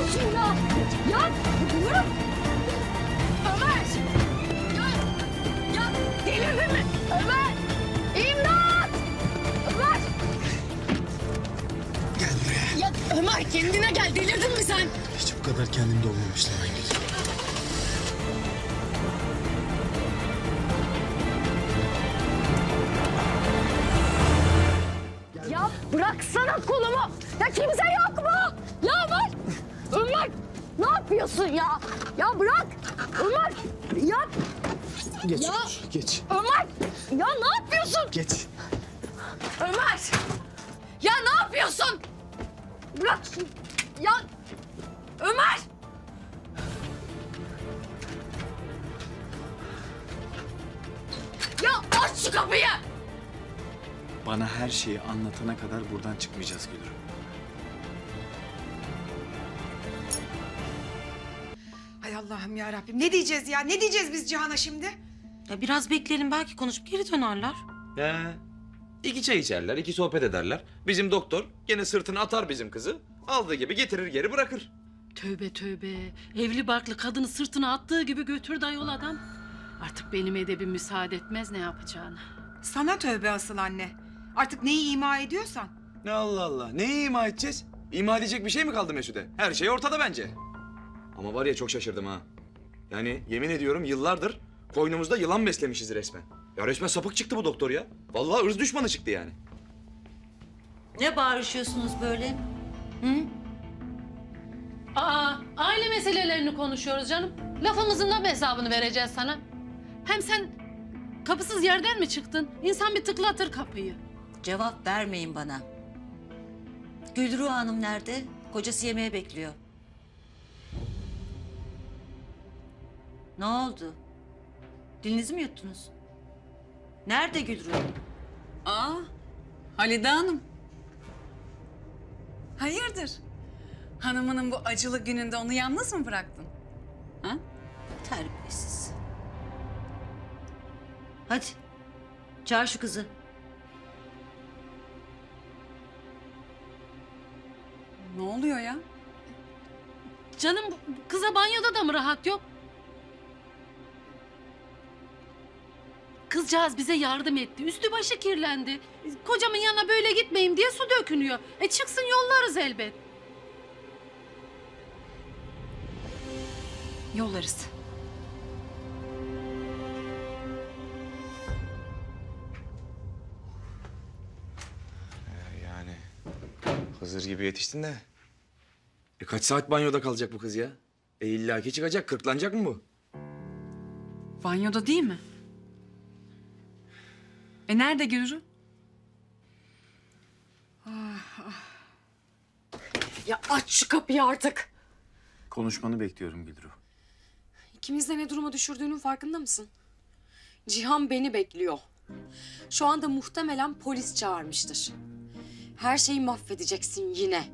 yapıyorsun ya? Ya bırak. Ömer. Ya delirdin mi? Ömer. İmdat. Ömer. Gel buraya. Ya Ömer kendine gel. Delirdin mi sen? Hiç bu kadar kendimde olmamıştım Aygül. Ya bıraksana kolumu. Ya kimse yok mu? Ya Ömer. Ömer. Ne yapıyorsun ya? Ya bırak. Ömer. Ya. Geç Ya. otur, geç. Ömer. Ya ne yapıyorsun? Geç. Ömer. Ya ne yapıyorsun? Bırak. Ya. Ömer. Ya aç şu kapıyı. Bana her şeyi anlatana kadar buradan çıkmayacağız Gülür. Hay Allah'ım ya Rabbim. Ne diyeceğiz ya? Ne diyeceğiz biz Cihan'a şimdi? Ya biraz bekleyelim, belki konuşup geri dönerler. He. İki çay içerler, iki sohbet ederler. Bizim doktor gene sırtına atar bizim kızı. Aldığı gibi getirir geri bırakır. Tövbe tövbe. Evli barklı kadını sırtına attığı gibi götürdü ayol adam. Artık benim edebim müsaade etmez ne yapacağını. Sana tövbe asıl anne. Artık neyi ima ediyorsan. Ne Allah Allah. Neyi ima edeceğiz? İma edecek bir şey mi kaldı Mesude? Her şey ortada bence. Ama var ya çok şaşırdım ha. Yani yemin ediyorum yıllardır koynumuzda yılan beslemişiz resmen. Ya resmen sapık çıktı bu doktor ya. Vallahi ırz düşmanı çıktı yani. Ne bağırışıyorsunuz böyle? Hı? Aa, aile meselelerini konuşuyoruz canım. Lafımızın da mı hesabını vereceğiz sana? Hem sen kapısız yerden mi çıktın? İnsan bir tıklatır kapıyı. Cevap vermeyin bana. Gülru Hanım nerede? Kocası yemeğe bekliyor. Ne oldu? Dilinizi mi yuttunuz? Nerede Gülru? Aa, Halide Hanım. Hayırdır? Hanımının bu acılı gününde onu yalnız mı bıraktın? Ha? Terbiyesiz. Hadi. Çağır şu kızı. Ne oluyor ya? Canım kıza banyoda da mı rahat yok? Kızcağız bize yardım etti. Üstü başı kirlendi. Kocamın yanına böyle gitmeyeyim diye su dökünüyor. Çıksın yollarız elbet. Yollarız. Yani Hızır gibi yetiştin de. Kaç saat banyoda kalacak bu kız ya? İllaki çıkacak, kırklanacak mı bu? Banyoda değil mi? Nerede Gülru? Ya aç şu kapıyı artık. Konuşmanı bekliyorum Gülür. İkimiz de ne duruma düşürdüğünün farkında mısın? Cihan beni bekliyor. Şu anda muhtemelen polis çağırmıştır. Her şeyi mahvedeceksin yine.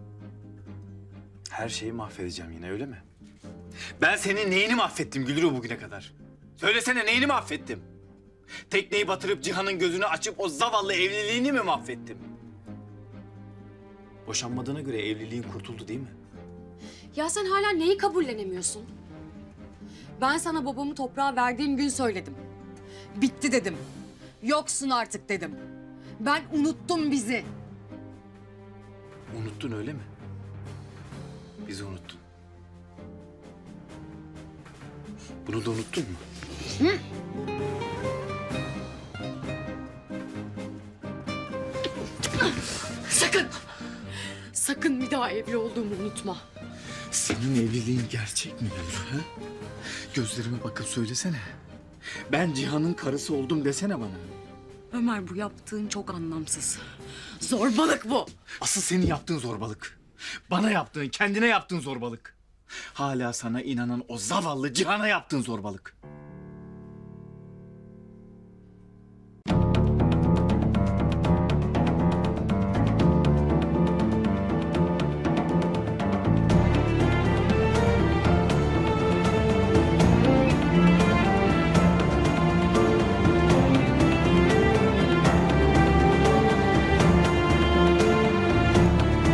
Her şeyi mahvedeceğim yine öyle mi? Ben senin neyini mahvettim Gülür bugüne kadar? Söylesene neyini mahvettim? Tekneyi batırıp Cihan'ın gözünü açıp o zavallı evliliğini mi mahvettim? Boşanmadığına göre evliliğin kurtuldu değil mi? Ya sen hala neyi kabullenemiyorsun? Ben sana babamı toprağa verdiğim gün söyledim. Bitti dedim. Yoksun artık dedim. Ben unuttum bizi. Unuttun öyle mi? Bizi unuttun. Bunu da unuttun mu? Sakın! Sakın bir daha evli olduğumu unutma. Senin evliliğin gerçek mi Gülür? Ha? Gözlerime bakıp söylesene. Ben Cihan'ın karısı oldum desene bana. Ömer bu yaptığın çok anlamsız. Zorbalık bu. Asıl senin yaptığın zorbalık. Bana yaptığın, kendine yaptığın zorbalık. Hala sana inanan o zavallı Cihan'a yaptığın zorbalık.